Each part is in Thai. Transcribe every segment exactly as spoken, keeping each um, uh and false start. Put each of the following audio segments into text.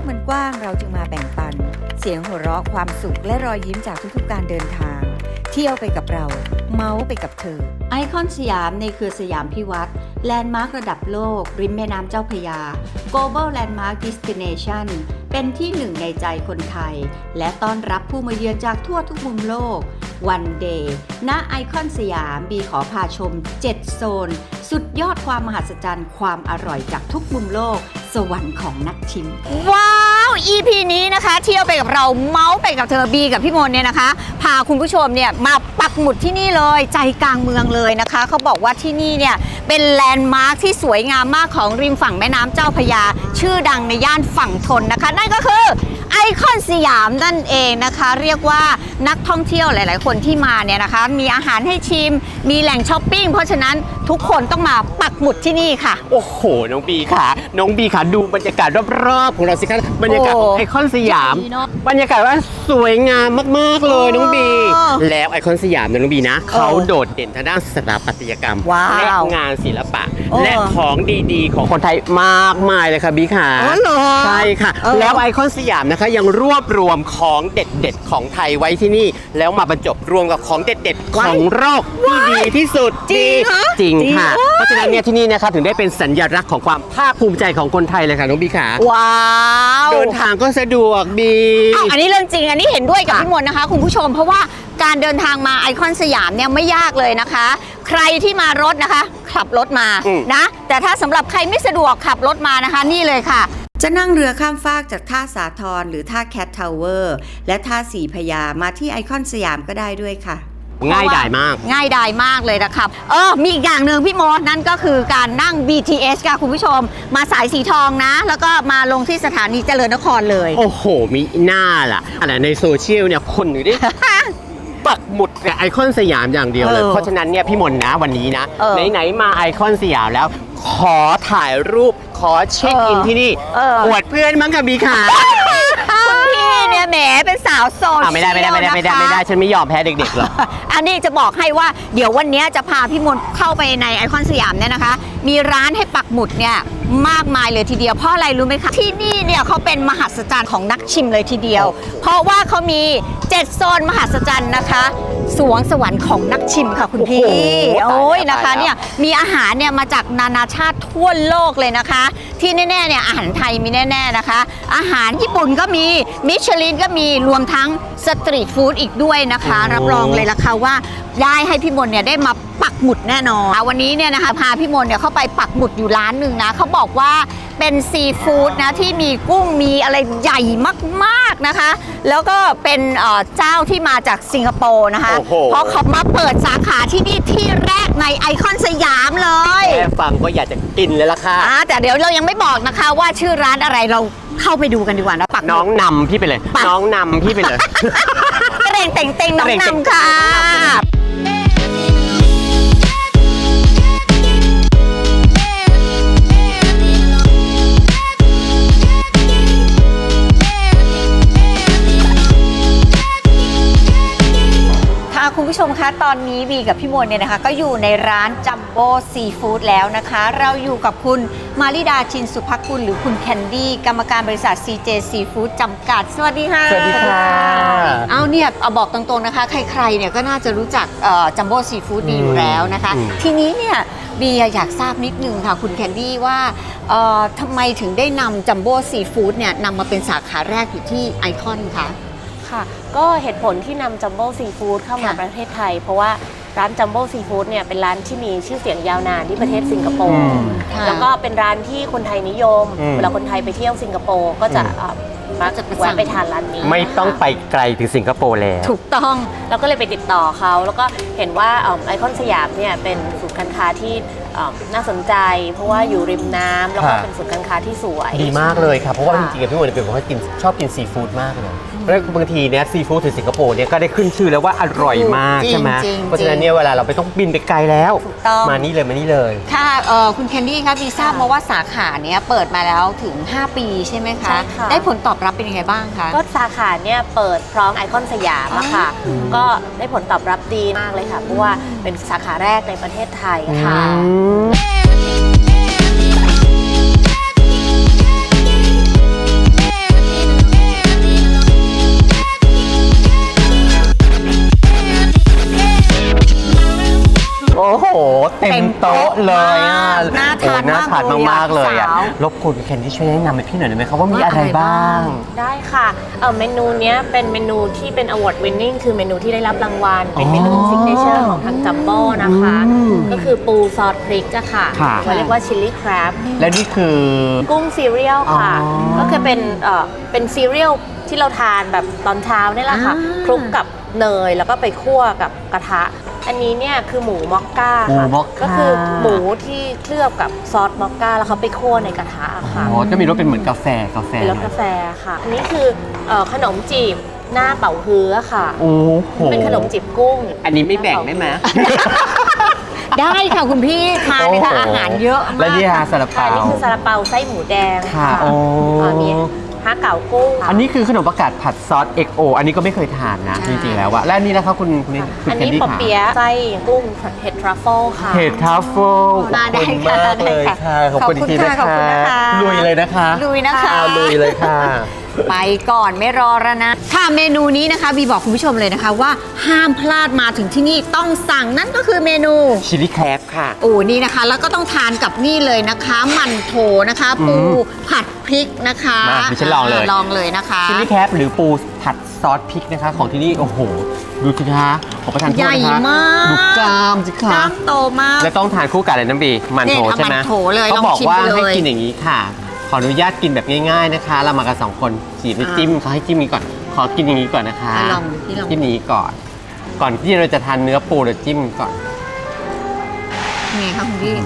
มันกว้างเราจึงมาแบ่งปันเสียงหัวเราะความสุขและรอยยิ้มจากทุกๆการเดินทางเที่ยวไปกับเราเมาส์ไปกับเธอไอคอนสยามในเครือสยามพิวัตรแลนด์มาร์คระดับโลกริมแม่น้ำเจ้าพระยา Global Landmark Destination เป็นที่หนึ่งในใจคนไทยและต้อนรับผู้มาเยือนจากทั่วทุกมุมโลกวันเดย์ณไอคอนสยามบีขอพาชมเจ็ดโซนสุดยอดความมหัศจรรย์ความอร่อยจากทุกมุมโลกสวรรค์ของนักชิมว้าว อี พี นี้นะคะเที่ยวไปกับเราเมาส์ไปกับเธอบีกับพี่มนเนี่ยนะคะพาคุณผู้ชมเนี่ยมาปักหมุดที่นี่เลยใจกลางเมืองเลยนะคะเขาบอกว่าที่นี่เนี่ยเป็นแลนด์มาร์คที่สวยงามมากของริมฝั่งแม่น้ำเจ้าพระยาชื่อดังในย่านฝั่งทนนะคะนั่นก็คือไอคอนสยามนั่นเองนะคะเรียกว่านักท่องเที่ยวหลายๆคนที่มาเนี่ยนะคะมีอาหารให้ชิมมีแหล่งช้อปปิ้งเพราะฉะนั้นทุกคนต้องมาปักหมุดที่นี่ค่ะโอ้โหน้องบีค่ะน้องบีค่ะดูบรรยากาศรอบๆของเราสิคะบรรยากาศของไอคอนสยามบรรยากาศว่าสวยงามมากๆเลยน้องบีแล้วไอคอนสยามน้องบีนะเขาโดดเด่นทางด้านสถาปัตยกรรมและงานศิลปะและของดีๆของคนไทยมากมายเลยค่ะบีค่ะใช่ค่ะแล้วไอคอนสยามนะคะยังรวบรวมของเด็ดๆของไทยไว้ที่นี่แล้วมาบรรจบรวมกับของเด็ดๆของโลกที่ดีที่สุดจริงจริงค่ะเพราะฉะนั้นเนี่ยที่นี่นะคะถึงได้เป็นสัญลักษณ์ของความภาคภูมิใจของคนไทยเลยค่ะน้องบีค่ะว้าวเดินทางก็สะดวกบีอันนี้เรื่องจริงอันนี้เห็นด้วยกับพี่มนนะคะคุณผู้ชมเพราะว่าการเดินทางมาไอคอนสยามเนี่ยไม่ยากเลยนะคะใครที่มารถนะคะขับรถมานะแต่ถ้าสำหรับใครไม่สะดวกขับรถมานะคะนี่เลยค่ะจะนั่งเรือข้ามฟากจากท่าสาทรหรือท่าแคททาวเวอร์และท่าสีพญามาที่ไอคอนสยามก็ได้ด้วยค่ะง่ายดายมากง่ายดายมากเลยนะครับเออมีอีกอย่างหนึ่งพี่มดนั่นก็คือการนั่ง บี ที เอส ค่ะคุณผู้ชมมาสายสีทองนะแล้วก็มาลงที่สถานีเจริญนครเลยโอ้โหมีหน้าล่ะอะไรในโซเชียลเนี่ยคนอยู่ดิ ปักหมุดกับไอคอนสยามอย่างเดียวเลยเพราะฉะนั้นเนี่ยพี่มนนะวันนี้นะไหนๆมาไอคอนสยามแล้วขอถ่ายรูปขอเช็คอินที่นี่อวดเพื่อนมั้งค่ะบีขาคุณพี่เนี่ยแหมเป็นสาวโซเชียลไม่ได้ไม่ได้ไม่ได้ไม่ได้ไม่ได้ฉันไม่ยอมแพ้เด็กๆหรอกอันนี้จะบอกให้ว่าเดี๋ยววันนี้จะพาพี่มนเข้าไปในไอคอนสยามเนี่ยนะคะมีร้านให้ปักหมุดเนี่ยมากมายเลยทีเดียวเพราะอะไรรู้ไหมคะที่นี่เนี่ยเขาเป็นมหัศจรรย์ของนักชิมเลยทีเดียวเพราะว่าเขามีเจ็ดโซนมหัศจรรย์นะคะสวงสวรรค์ของนักชิมค่ะคุณพี่โอ้ยนะคะเนี่ยมีอาหารเนี่ยมาจากนานาชาติทั่วโลกเลยนะคะที่แน่ๆเนี่ยอาหารไทยมีแน่ๆนะคะอาหารญี่ปุ่นก็มีมิชลินก็มีรวมทั้งสตรีทฟู้ดอีกด้วยนะคะรับรองเลยล่ะค่ะว่าได้ให้พี่มนเนี่ยได้มาปักหมุดแน่นอนวันนี้เนี่ยนะคะพาพี่มนเนี่ยเข้าไปปักหมุดอยู่ร้านหนึ่งนะเขาบอกว่าเป็นซีฟู้ดนะที่มีกุ้งมีอะไรใหญ่มากๆนะคะแล้วก็เป็นเจ้าที่มาจากสิงคโปร์นะคะเพราะเขามาเปิดสาขาที่นี่ที่แรกในไอคอนสยามเลยแค่ฟังก็อยากจะกินเลยล่ะค่ะแต่เดี๋ยวเรายังไม่บอกนะคะว่าชื่อร้านอะไรเราเข้าไปดูกันดีกว่านะปักน้องนำพี่ไปเลยน้องนำพี่ไปเลยเร่งเต่งเต่งน้องนำค่ะคุณผู้ชมคะตอนนี้บีกับพี่มนเนี่ยนะคะก็อยู่ในร้านจัมโบ้ซีฟู้ดแล้วนะคะเราอยู่กับคุณมาริดาชินสุภกุลหรือคุณแคนดี้กรรมการบริษัท ซี เจ Seafood จำกัดสวัสดีค่ะสวัสดีค่ะเอาเนี่ยเอาบอกตรงๆนะคะใครๆเนี่ยก็น่าจะรู้จักจัมโบ้ซีฟู้ดดีอยู่แล้วนะคะทีนี้เนี่ยบีอยากทราบนิดนึงค่ะคุณแคนดี้ว่าทำไมถึงได้นำจัมโบ้ซีฟู้ดเนี่ยนำมาเป็นสาขาแรกอยู่ที่ไอคอนคะค่ะก็เหตุผลที่นำจัมโบ้ซีฟู้ดเข้ามาประเทศไทยเพราะว่าร้านจัมโบ้ซีฟู้ดเนี่ยเป็นร้านที่มีชื่อเสียงยาวนานที่ประเทศสิงคโปร์แล้วก็เป็นร้านที่คนไทยนิยมเวลาคนไทยไปเที่ยวสิงคโปร์ก็จะมักจะแวะไปทานร้านนี้ไม่ต้องไปไกลถึงสิงคโปร์แล้วถูกต้องเราก็เลยไปติดต่อเขาแล้วก็เห็นว่าไอคอนสยามเนี่ยเป็นศูนย์การค้าที่น่าสนใจเพราะว่าอยู่ริมน้ำแล้วก็เป็นศูนย์การค้าที่สวยดีมากเลยครับเพราะว่าจริงๆพี่มนเป็นคนที่กินชอบกินซีฟู้ดมากเลยแล้วบางทีเนี่ยซีฟู้ดที่สิงคโปร์เนี่ยก็ได้ขึ้นชื่อแล้วว่าอร่อยมากใช่ไหมเพราะฉะนั้นเนี่ยเวลาเราไปต้องบินไปไกลแล้วมานี่เลยมานี่เลยค่ะคุณแคนดี้คะบีทราบมาว่าสาขาเนี้ยเปิดมาแล้วถึงห้าปีใช่ไหมคะได้ผลตอบรับเป็นยังไงบ้างคะก็สาขาเนี่ยเปิดพร้อมไอคอนสยามอะค่ะก็ได้ผลตอบรับดีมากเลยค่ะเพราะว่าเป็นสาขาแรกในประเทศไทยค่ะเต็มโต๊ะเลยอ่ะน่าทานโอ้น่าทานมากๆเลยอ่ะสาวรบกวนแคนดี้ช่วยแนะนำให้พี่หน่อยได้ไหมครับว่ามีอะไรบ้างได้ค่ะเออเมนูเนี้ยเป็นเมนูที่เป็น award winning คือเมนูที่ได้รับรางวัล เป็นเมนูอ๋อซิกเนเจอร์ของทางจัมโบ้นะคะอืมก็คือปูซอสพริกอะค่ะค่ะเราเรียกว่าชิลลี่ครบและนี่คือกุ้งซีเรียลค่ะอ๋อก็คือเป็นเอ่อเป็นซีเรียลที่เราทานแบบตอนเช้านี่แหละค่ะอ่าคลุกกับเนยแล้วก็ไปคั่วกับกระทะ อันนี้เนี่ยคือหมูมอกก้าหมูค่ะมอกก้าก็คือหมูที่เคลือบกับซอสมอกก้าแล้วเขาไปคั่วในกระทะค่ะอ๋อจะมีรสเป็นเหมือนกาแฟกาแฟเป็นรสกาแฟค่ะ อันนี้คือเอ่อขนมจีบหน้าเป่าฮื้อค่ะโอ้โหเป็นขนมจีบกุ้งอันนี้ไม่แบ่งได้ไหมได้ค่ะคุณพี่ทานเลยค่ะโอ้โหอาหารเยอะมากและนี่ฮะซาลาค่ะเปาอันนี้คือซาลาเปาไส้หมูแดงค่ะโอ้เอ่อมีฮะเก๋ากุ้งค่ะอันนี้คือขนมประกาศผัดซอส เอ็ก โอ อันนี้ก็ไม่เคยทานนะใช่จริงๆแล้วอะและอันนี้นะครับคุณคุณนี่คุณอันแคนนี้ดี้ปอค่ะเปี๊ยะไส้กุ้งเห็ดทรัฟเฟิลค่ะเห็ดทัฟเฟิลมาได้ขอบคุณค่ะมากเลยได้ค่ะค่ะขอบคุณขอบคุณทีนะค่ะขอบคุณนะคะลุยเลยนะคะลุยนะคะเอาลุยเลยค่ะไปก่อนไม่รอแล้วนะค่ะเมนูนี้นะคะบีบอกคุณผู้ชมเลยนะคะว่าห้ามพลาดมาถึงที่นี่ต้องสั่งนั่นก็คือเมนูชิลลี่แครบค่ะโอ้นี่นะคะ แล้วก็ต้องทานกับนี่เลยนะคะหมั่นโถนะคะ ปูอืมผัดพริกนะคะมาดิฉันลองเลยลองเลยนะคะชิลลี่แครบหรือปูผัดซอสพริกนะคะ ของที่นี่ โอ้โห ดูสิคะขอประทานโทษใหญ่นะคะมากดูกล้ามสิกคะล้ามโตมากและต้องทานคู่กับอะไรน้ำบีมันโถเนี่ยใช่ไหมมันโถเลยเขาลองบอกชิมว่าไปเลยให้กินอย่างนี้ค่ะ ขออนุญาตกินแบบง่ายๆนะคะ เรามากันสองคนจีบไปอ่าจิ้มเขาให้จิ้มนี้ก่อน ขอกินอย่างนี้ก่อนนะคะอ่ะลองพี่ลองจิ้มอย่างนี้ก่อน ก่อนที่เราจะทานเนื้อปูเราจิ้มก่อนไงคะคุณพี่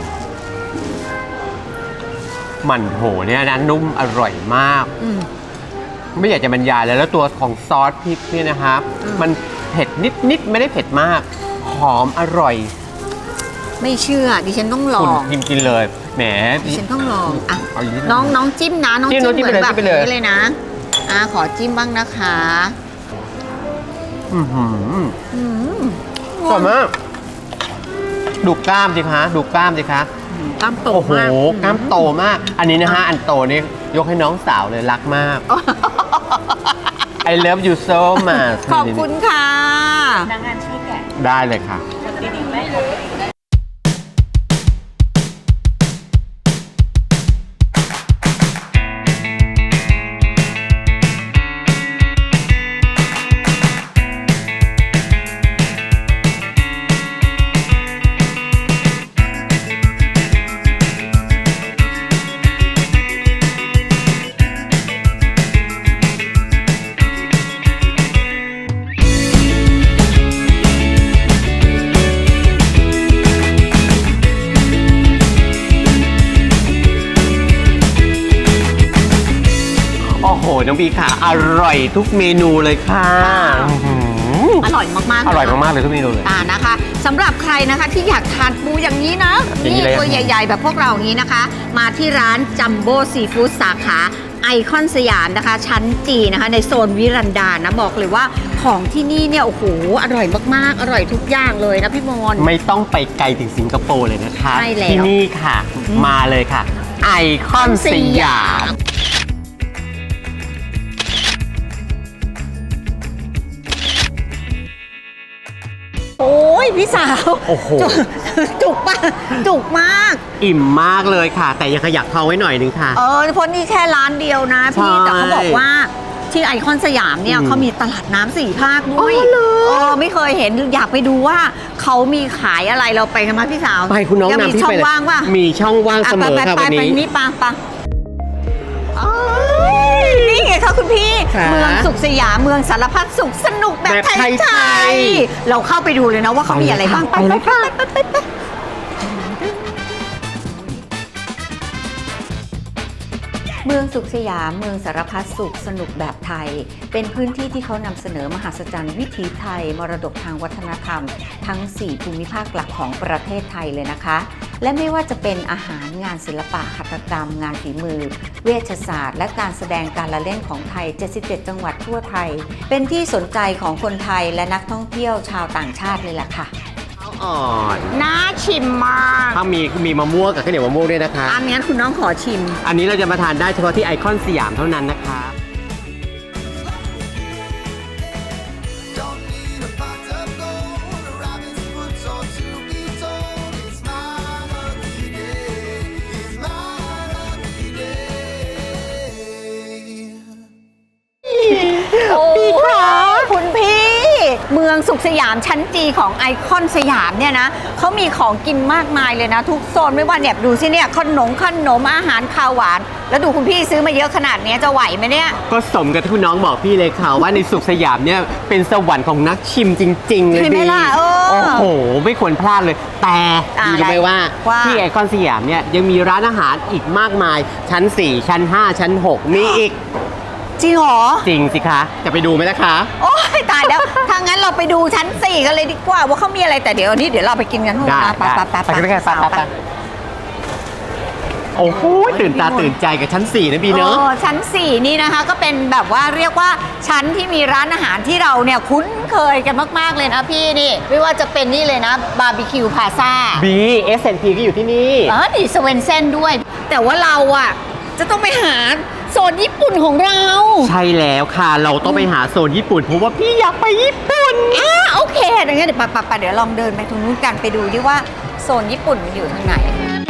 มันโถเนี่ยนะนุ่มอร่อยมากอืมไม่อยากจะบรรยายเลยแล้วตัวของซอสพริกเนี่ยนะครับอืมมันเผ็ดนิดๆไม่ได้เผ็ดมาก หอมอร่อยไม่เชื่อดิฉันต้องลอคุณงกินกินเลยแหมดิฉันต้องลองอ่ะเอาอย่างนี้น้องน้องจิ้มนะน้องจิ้จิ้มมน้องจิ้มเหมือนไปเลยแบบจิ้มไปเลยนี้เลยนะอ่ะขอจิ้มบ้างนะคะอื้อหืออืมอร่อยมากดูกล้ามสิคะดูกล้ามสิคะกล้ามโตโอ้โหมากกล้ามโตมาก อันนี้นะฮะอันโตนี่ยกให้น้องสาวเลยรักมาก I love you so much ขอบคุณค่ะพนักงานช่วยแกะได้เลยค่ะดีๆไหมโอ้โห น้องบีค่ะ อร่อยทุกเมนูเลยค่ะอื้อหืออร่อยมากๆอร่อยเลมากๆเลยทุกเมนูเลยอ่านะคะสำหรับใครนะคะที่อยากทานปูอย่างนี้นะอย่างนี้นี่เลยตัวใหญ่ ๆ แบบพวกเราอย่างนี้นะคะ มาที่ร้านจัมโบ้ซีฟู้ดสาขาไอคอนสยามนะคะ ชั้นจีนะคะ ในโซนวิรันดานะบอกเลยว่าของที่นี่เนี่ยโอ้โหอร่อยมากๆ อร่อยทุกอย่างเลยนะพี่มนต์ไม่ต้องไปไกลถึงสิงคโปร์เลยนะคะใช่แล้วที่นี่ค่ะ มาเลยค่ะ ไอคอนสยามโอ้ยพี่สาวโอ้โหจุกจุกมากจุกมากอิ่มมากเลยค่ะ แต่ยังขยักท้องไว้หน่อยนึงค่ะเออเพราะนี่แค่ร้านเดียวนะพี่ใช่แต่เขาบอกว่าที่ไอคอนสยามเนี่ยอืมเขามีตลาดน้ำสี่ภาคด้วยอ๋อเหรอเออไม่เคยเห็นอยากไปดูว่าเขามีขายอะไรเราไปกันมาพี่สาวไปคุณน้องยังมีนำพี่ช่อไปงเลยว่างป่ะมีช่องว่างอ่ะเสมอไปค่ะไปวันไปนี้นี่ปังปังนี่ไงคะคุณพี่ค่ะเมืองสุขสยามเมืองสารพัดสุขสนุกแบบแบบไทไทยยๆเราเข้าไปดูเลยนะว่าเขามีอะไรบ้างไปเลยค่ะไปไปไป เมืองสุขสยามเมืองสารพัดสุขสนุกแบบไทย เป็นพื้นที่ที่เขานำเสนอมหัศจรรย์วิถีไทย มรดกทางวัฒนธรรม ทั้ง สี่ ภูมิภาคหลักของประเทศไทยเลยนะคะ และไม่ว่าจะเป็นอาหารงานศิลปะหัตถกรรม งานฝีมือ เวชศาสตร์ และการแสดงการละเล่นของไทย เจ็ดสิบเจ็ด จังหวัดทั่วไทย เป็นที่สนใจของคนไทยและนักท่องเที่ยวชาวต่างชาติเลยล่ะค่ะอ่อนน่าชิมมากถ้ามีมีมะม่วงกับข้าวเหนียวมะม่วงด้วยนะคะอันนี้คุณน้องขอชิมอันนี้เราจะมาทานได้เฉพาะที่ไอคอนสยามเท่านั้นนะคะ Don't need a pot of gold, a rabbit's foot or to be told. It's my เมืองสุขสยามชั้นจีของไอคอนสยามเนี่ยนะเขามีของกินมากมายเลยนะ ทุกโซนไม่ว่าเนี่ยดูสิเนี่ยขนมขนมอาหารคาวหวานแล้วดูคุณพี่ซื้อมาเยอะขนาดนี้จะไหวไหมเนี่ยก็สมกับที่คุณน้องบอกพี่เลยค่ะว่าในสุขสยามเนี่ยเป็นสวรรค์ของนักชิมจริงๆเลยใช่ไหมดีล่ะเออโอ้โหไม่ควรพลาดเลย แต่อ่าดีรู้ไหมว่าว่าที่ไอคอนสยามเนี่ยยังมีร้านอาหารอีกมากมายชั้นสี่ชั้นห้าชั้นหกมีอีกจริงเหรอจริงสิคะจะไปดูไหมล่ะคะโอ้ยตายแล้ว ถ้างั้นเราไปดูชั้นสี่กันเลยดีกว่าว่าเขามีอะไรแต่เดี๋ยวนี้เดี๋ยวเราไปกินกันทุกได้นะไปได้ไปไปไปกันไปกันไปไปไปโอ้โหตื่นตาตื่นใจกับชั้นสี่นะบีเนอะออชั้นสี่นี่นะคะก็เป็นแบบว่าเรียกว่าชั้นที่มีร้านอาหารที่เราเนี่ยคุ้นเคยกันมากๆเลยนะพี่นี่ไม่ว่าจะเป็นนี่เลยนะบาร์บีคิวพาซ่าบีเอสแอนด์พีก็อยู่ที่นี่อ๋อนี่สเวนเซนด้วย แต่ว่าเราอ่ะจะต้องไปหาโซนญี่ปุ่นของเราใช่แล้วค่ะเราต้องไปหาโซนญี่ปุ่นเพราะว่าพี่อยากไปญี่ปุ่นอ่าโอเคดังนั้นเดี๋ยวไปไปเดี๋ยวลองเดินไปตรงนู้นกันไปดูดิว่าโซนญี่ปุ่นมันอยู่ทางไหน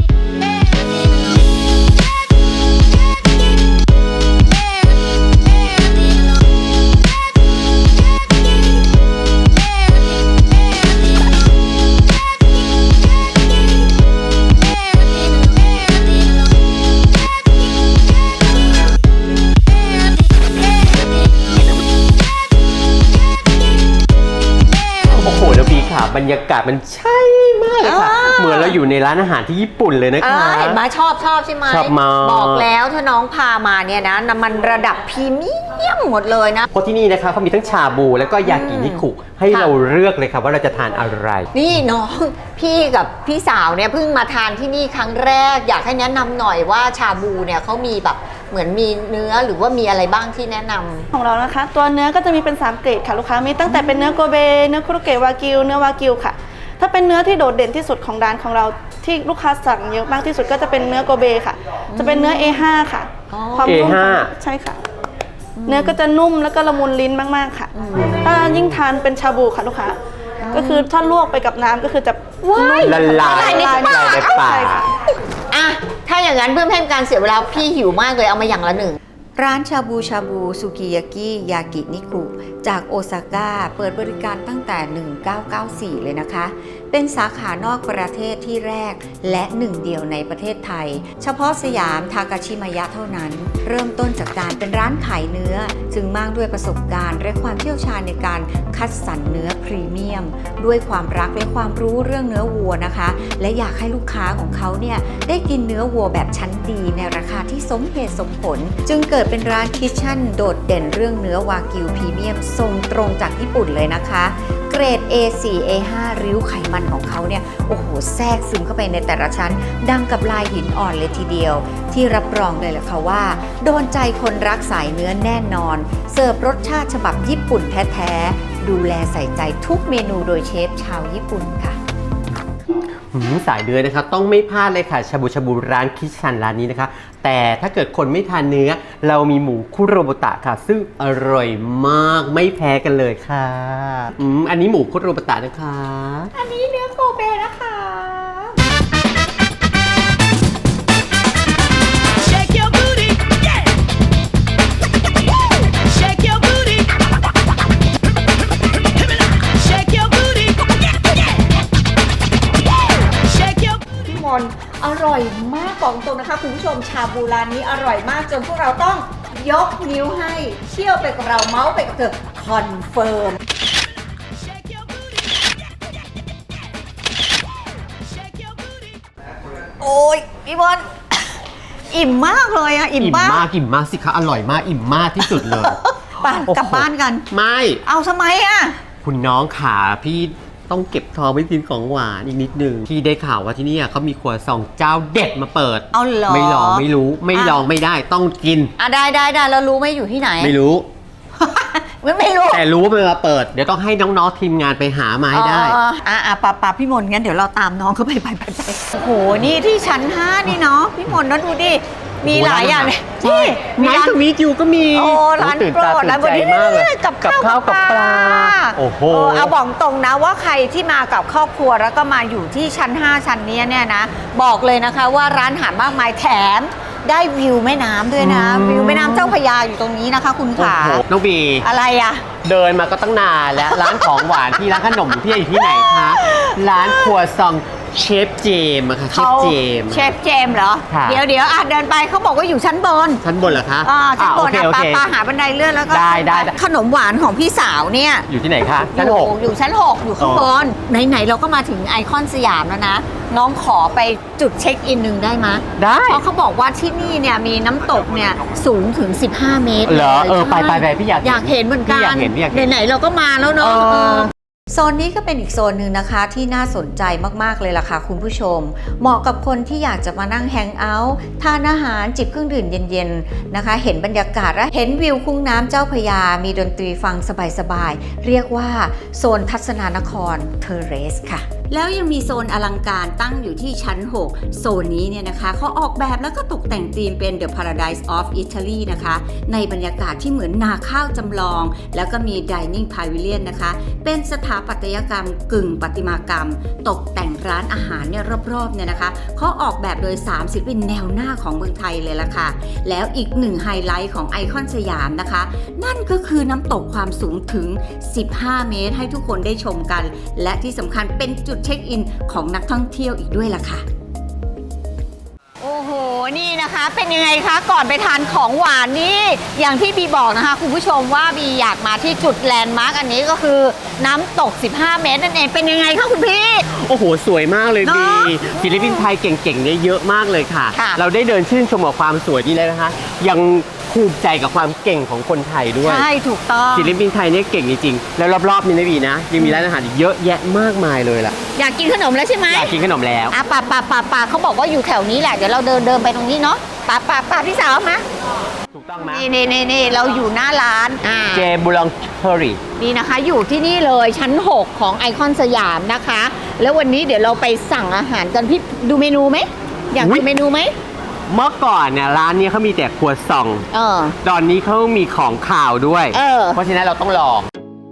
โอ้โหแล้วพี่ค่ะบรรยากาศมันใช่มากเลยค่ะอ่าเหมือนเราอยู่ในร้านอาหารที่ญี่ปุ่นเลยนะเอคะอเห็นไหมชอบชอบใช่ไหมชอบมากบอกแล้วถ้าน้องพามาเนี่ยนะมันระดับพรีเมียมหมดเลยนะเพราะที่นี่นะคะเขามีทั้งชาบูแล้วก็ยากินิคุให้ค่ะเราเลือกเลยค่ะว่าเราจะทานอะไรนี่น้องพี่กับพี่สาวเนี่ยเพิ่งมาทานที่นี่ครั้งแรก อยากให้แนะนำหน่อยว่าชาบูเนี่ยเขามีแบบเหมือนมีเนื้อหรือว่ามีอะไรบ้างที่แนะนำของเรานะคะ ตัวเนื้อก็จะมีเป็นสามเกรดค่ะลูกค้ามีตั้งแต่เป็นเนื้อโกเบเนื้อคุโรเกะวากิวเนื้อวากิวค่ะ ถ้าเป็นเนื้อที่โดดเด่นที่สุดของร้านของเราที่ลูกค้าสั่งเยอะมากที่สุดก็จะเป็นเนื้อโกเบค่ะ จะเป็นเนื้อ เอ ห้า ค่ะอ๋อความนุ่มเอ ห้าใช่ค่ะ เนื้อก็จะนุ่มแล้วก็ละมุนลิ้นมากๆค่ะ ถ้ายิ่งทานเป็นชาบูค่ะลูกค้าก็คือถ้าลวกไปกับน้ำก็คือจะว้ายละลายละลายในปากในปากใช่ค่ะอ่ะถ้าอย่างนั้นเพื่อไม่ให้เป็นการเสียเวลาพี่หิวมากเลยเอามาอย่างละหนึ่ง ร้านชาบูชาบูสุกิยากิยากินิคุจากโอซาก้าเปิดบริการตั้งแต่ หนึ่งเก้าเก้าสี่ เลยนะคะ เป็นสาขานอกประเทศที่แรกและหนึ่งเดียวในประเทศไทย เฉพาะสยามทากาชิมายะเท่านั้น เริ่มต้นจากการเป็นร้านขายเนื้อ จึงมากด้วยประสบการณ์และความเชี่ยวชาญในการคัดสรรเนื้อพรีเมียม ด้วยความรักและความรู้เรื่องเนื้อวัวนะคะ และอยากให้ลูกค้าของเขาเนี่ยได้กินเนื้อวัวแบบชั้นดีในราคาที่สมเหตุสมผล จึงเกิดเป็นร้านคิทเช่นโดดเด่นเรื่องเนื้อวากิวพรีเมียมส่งตรงจากญี่ปุ่นเลยนะคะ เกรด เอ โฟร์ เอ ไฟว์ ริ้วไขมันของเขาเนี่ยโอ้โหแทรกซึมเข้าไปในแต่ละชั้น ดังกับลายหินอ่อนเลยทีเดียว ที่รับรองเลยแหละค่ะว่า โดนใจคนรักสายเนื้อแน่นอน เสิร์ฟรสชาติฉบับญี่ปุ่นแท้ๆดูแลใส่ใจทุกเมนูโดยเชฟชาวญี่ปุ่นค่ะหืมสายเนื้อนะคะต้องไม่พลาดเลยค่ะชาบูชาบูร้านคิชันร้านนี้นะคะ แต่ถ้าเกิดคนไม่ทานเนื้อ เรามีหมูคุโรบุตะค่ะ ซึ่งอร่อยมากไม่แพ้กันเลยค่ะอืมอันนี้หมูคุโรบุตะนะคะอันนี้เนื้อโกเบนะคะ Shake your booty, yeah. Woo! Shake your booty. Shake your booty, yeah, yeah. Woo! Shake your พี่มนต์อร่อยมากบอกตรงนะคะคุณผู้ชมชาบูร้านนี้อร่อยมากจนพวกเราต้องยกนิ้วให้เชี่ยวไปกับเราเมาส์ไปกับเธอคอนเฟิร์ม shake your booty. Shake your booty. โอ้ยพี่มนต์อิ่มมากเลยอะอิ่มอิ่มมากมากอิ่มมากสิคะอร่อยมากอิ่มมากที่สุดเลยไปกลับบ้านกันไม่เอาทำไมอะคุณน้องขาพี่ต้องเก็บทองไว้กินของหวานอีกนิดนึงที่ได้ข่าวว่าที่นี่เขามีครัวซองเจ้าเด็ดมาเปิดเอาเหรอไม่ลองไม่รู้ไม่ลองไม่ได้ต้องกินอ่ะได้ได้ได้แล้วรู้ไหมอยู่ที่ไหนไม่รู้ไม่ไม่รู้แต่รู้ว่ามันมาเปิด เดี๋ยวต้องให้น้องๆทีมงานไปหามาให้ได้อ๋ออ่ะอ่ะป่าป่าพี่มนต์งั้นเดี๋ยวเราตามน้องเขาไปไปไปไปโอ้โหนี่ที่ชั้นห้านี่เนาะพี่มนต์นะดูดิมีหลายอย่างเลยนี่มีร้านร้านสวีทอยู่ก็มีโอ้ร้านตื่นโปรตาดตื่ร้านนบใจนนี้มากเลยกับกับข้าวข้าวกับปลา โอ้โหเออเอาบอกตรงนะว่าใครที่มากับครอบครัวแล้วก็มาอยู่ที่ชั้นห้าชั้นเนี้ยเนี่ยนะบอกเลยนะคะว่าร้านอาหารมากมายแถมได้วิวแม่น้ำด้วยนะ วิวแม่น้ำเจ้าพระยาอยู่ตรงนี้นะคะ คุณโอ้ขาโหน้องบีอะไรอะเดินมาก็ตั้งนานแล้ว ร้านของหวานพี่ร้านขนมพี่อยู่ที่ไหนคะ ร้านครัวซองเชฟเจมส์อะค่ะเชฟเจมส์เชฟเจมส์เหรอค่ะเดี๋ยวเดี๋ยวอ่ะเดินไปเขาบอกว่าอยู่ชั้นบนชั้นบนเหรอคะอ่าชั้นบนอ่าอ่ะโอปาเคโอปาเคหาบันไดเลื่อนแล้วก็ได้ได้ได้ขนมหวานของพี่สาวเนี่ยอยู่ที่ไหนคะ ชั้นอยู่หกอยู่ชั้นหกอยู่ข้างอ๋อบนไหนๆเราก็มาถึงไอคอนสยามแล้วนะ น้องขอไปจุดเช็คอินหนึ่งได้ไหมยได้เพราะเขาบอกว่าที่นี่เนี่ยมีน้ำตกเนี่ยสูงถึง สิบห้า เมตรเหรอลยเออไปใช่ไปไปพี่อยากเห็นอยากเห็นเหมือนกัพี่นอยากเห็นพี่อยากเห็นไหนๆเราก็มาแล้วเนาะเออเออโซนนี้ก็เป็นอีกโซนหนึ่งนะคะที่น่าสนใจมากๆเลยล่ะค่ะคุณผู้ชม เหมาะกับคนที่อยากจะมานั่งแฮงเอาท์ทานอาหารจิบเครื่องดื่มเย็นๆนะคะ เห็นบรรยากาศและเห็นวิวคุ้งน้ำเจ้าพระยา มีดนตรีฟังสบายๆเรียกว่าโซนทัศนานครเทอร์เรสค่ะ แล้วยังมีโซนอลังการตั้งอยู่ที่ชั้น หก โซนนี้เนี่ยนะคะเขาออกแบบแล้วก็ตกแต่งธีมเป็น The Paradise of Italy นะคะ ในบรรยากาศที่เหมือนนาข้าวจำลอง แล้วก็มี Dining Pavilion นะคะ เป็นสถาปัตยกรรมกึ่งประติมากรรม ตกแต่งร้านอาหารเนี่ยรอบๆเนี่ยนะคะเขาออกแบบโดยสามศิลปินแนวหน้าของเมืองไทยเลยล่ะค่ะ แล้วอีกหนึ่งไฮไลท์ของไอคอนสยามนะคะ นั่นก็คือน้ำตกความสูงถึง สิบห้า เมตรให้ทุกคนได้ชมกัน และที่สำคัญเป็นจุดเช็คอินของนักท่องเที่ยวอีกด้วยล่ะค่ะ โอ้โห นี่นะคะเป็นยังไงคะก่อนไปทานของหวานนี่อย่างที่บีบอกนะคะคุณผู้ชมว่าบีอยากมาที่จุดแลนด์มาร์กอันนี้ก็คือน้ำตก สิบห้า เมตรนั่นเองเป็นยังไงคะคุณพี่โอ้โห สวยมากเลยเนบีอะศิลปินไทยเก่งๆเนี่ยเยอะมากเลยค่ะค่ะเราได้เดินชื่นชมกับความสวยนี่แล้วนะคะ ยังภูมิใจกับความเก่งของคนไทยด้วยใช่ถูกต้องศิลปินไทยเนี่ยเก่งจริงๆ แล้วรอบๆนี้นะบีนะ ยังมีร้านอาหารอีกเยอะแยะมากมายเลยล่ะอยากกินขนมแล้วใช่ไหมอยากกินขนมแล้วอ่ะป่าป่าป่าป่าเขาบอกว่าอยู่แถวนี้แหละเดี๋ยวเราเดินเดินไปตรงนี้เนาะป่าป่าป่าพี่สาวมาถูกต้องไหมนี่นี่นี่นี่เราอยู่หน้าร้านอ่าเจบูลองเทอรี่นี่นะคะอยู่ที่นี่เลยชั้น หก ของไอคอนสยามนะคะ แล้ววันนี้เดี๋ยวเราไปสั่งอาหารกันพี่ดูเมนูไหมอยากอุ๊ดูยเมนูไหมเมื่อก่อนเนี่ยร้านเนี้เขามีแต่ครัวซองเออตอนนี้เขามีของข่าวด้วยเออเพราะฉะนั้นเราต้องลอง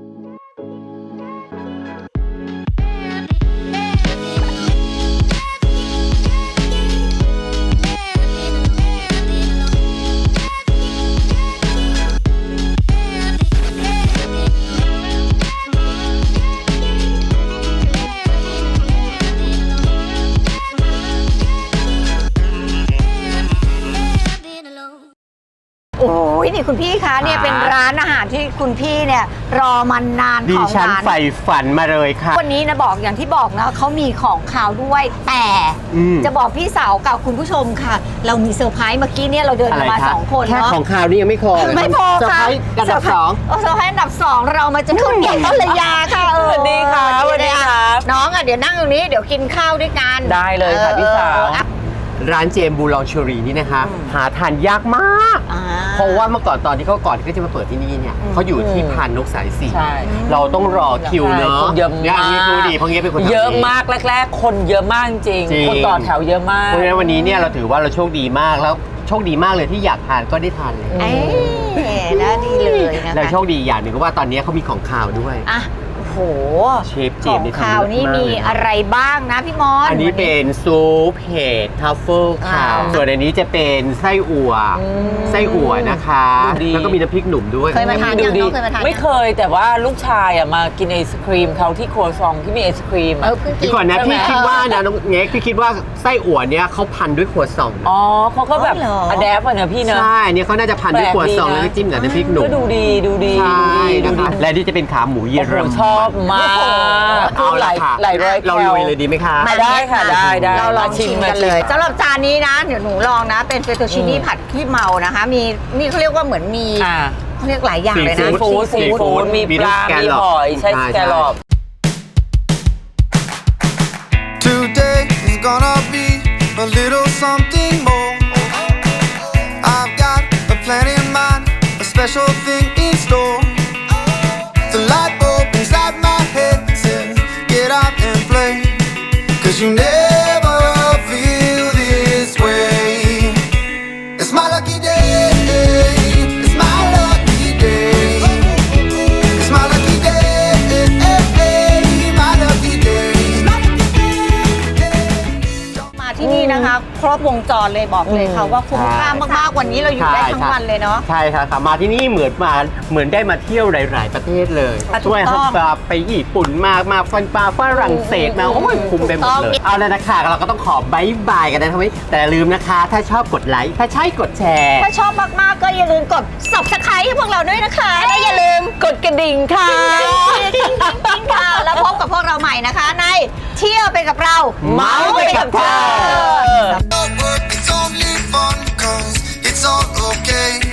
โอ้ยนี่คุณพี่คะเนี่ยเป็นร้านอาหารที่คุณพี่เนี่ยรอมานานดิของฉันร้านใฝ่ฝันมาเลยค่ะวันนี้นะบอกอย่างที่บอกนะเขามีของข่าวด้วยแต่อืมจะบอกพี่สาวกับคุณผู้ชมค่ะ เรามีเซอร์ไพรส์เมื่อกี้เนี่ยเราเดินอะไรกันมาคะสองคนแค่เนาะของข่าวนี่ยังไม่พอเลยไม่พอเซอร์ค่ะไพรส์ระดับสองเเซอร์ไพรส์อันดับสองเรามาจะขึ้นเกียรติต้นระยาค่ะเออสวัสดีค่ะสวัสดีสวัสดีครับน้องอ่ะเดี๋ยวนั่งตรงนี้เดี๋ยวกินข้าวด้วยกันได้เลยค่ะพี่สาวเอออ่ะร้านเจมบูลองเชอรี่นี่นะคะ หาทานยากมากอ่าเพราะว่าเมื่อก่อนตอนที่เขาก่อนที่เขาจะมาเปิดที่นี่เนี่ยเขาอยู่ที่พานนกสายสี่ใช่เราต้องรอคิวเนาะคนเยอะมากนี่นี่คือดีเพราะงี้เป็นคนทำเยอะงมากแรก ๆ คนเยอะมากจริงจริงคนต่อแถวเยอะมากเพราะฉะนั้นวันนี้เนี่ยเราถือว่าเราโชคดีมากแล้วโชคดีมากเลยที่อยากทานก็ได้ทานเลยเอ้ยน่าดีเลยนะคะแล้วโชคดีอย่างหนึ่งก็ว่าตอนนี้เขามีของข่าวด้วยอ่ะโอ้โหเชฟเจขอมงนี่ทำข่าวนี่เยอะมากมีเลยนะอะไรบ้างนะพี่มอนอันนี้เป็นซุปเห็ดทัฟเฟิลค่ะอ่าส่วนอันนี้จะเป็นไส้อั่ว ไส้อั่วนะคะดูดีแล้วก็มีน้ำพริกหนุ่มด้วยเคยมาทานดูยังดีน้องเคยมาทานยังไม่เคยแต่ว่าลูกชายอ่ะมากินไอศครีมเขาที่ครัวซองที่มีไอศครีมเออะอเพิ่งกิเดี๋ยวก่อนนะใช่ไหมพี่คิดว่านะน้องเง็กพี่คิดว่าไส้อั่วเนี่ยเขาพันด้วยครัวซองนะอ๋อเขาก็แบบอ๋อเหรออะแดปอ่ะเนอะพี่เนอะใช่เนี่ยเขาน่าจะพันด้วยครัวซองแปลกดีนะแล้วก็จิ้มกับน้ำพริกหนุ่มก็ดูดีดูดีใช่ดูนะดีคะและนี่จะเป็นขาหมูเยอโอ้โหรมันชอบมากเอาละค่ะหลายร้อยแคเราลุยเลยดีไหมคะมาได้ค่ะได้ได้เราลองชิมกันเลยสำหรับจานนี้นะเดี๋ยวหนูลองนะ เป็นเฟตตูชินี่ผัดขี้เมานะคะ มีนี่เขาเรียกว่าเหมือนมีอ่าเขาเรียกหลายอย่างเลยซีนะฟู้ดซีฟู้ดมีปลามีมีสแกลล็อปหอยใช่ใช่สแกลลอป Today is gonna be a little something more. I've got a plan in mind, a special thing in store. The light bulb inside my head says, get out and play. Cause you never feel this way. It's my lucky day. It's my lucky day. It's my lucky day. My lucky day. มาที่นี่นะคะ ครรบวงจรเลยบอกเลยค่ะว่าคุ้มค่ามากๆวันนี้เราอยู่ได้ทั้งวันเลยเนาะใช่ค่ะค่ะมาที่นี่เหมือนมาเหมือนได้มาเที่ยวหลาย ๆ ประเทศเลยอ่ะช่วยถูกต้องให้ไปญี่ปุ่นมามาฟันปลาฝรั่งเศสมาโอ้ยคุ้มไปหมดเลยเอาเลยนะคะเราก็ต้องขอบายบายกันนะทำไมแต่อย่าลืมนะคะ ถ้าชอบกดไลค์ถ้าใช่กดแชร์ถ้าชอบมากๆก็อย่าลืมกด Subscribe ให้พวกเราด้วยนะคะและอย่าลืมกดกระดิ่งค่ะติ๊งติ๊งติ๊งค่ะแล้วพบกับพวกเราใหม่นะคะในเที่ยวไปกับเราเมาไปกับเธอ Work is only fun, cause it's all okay.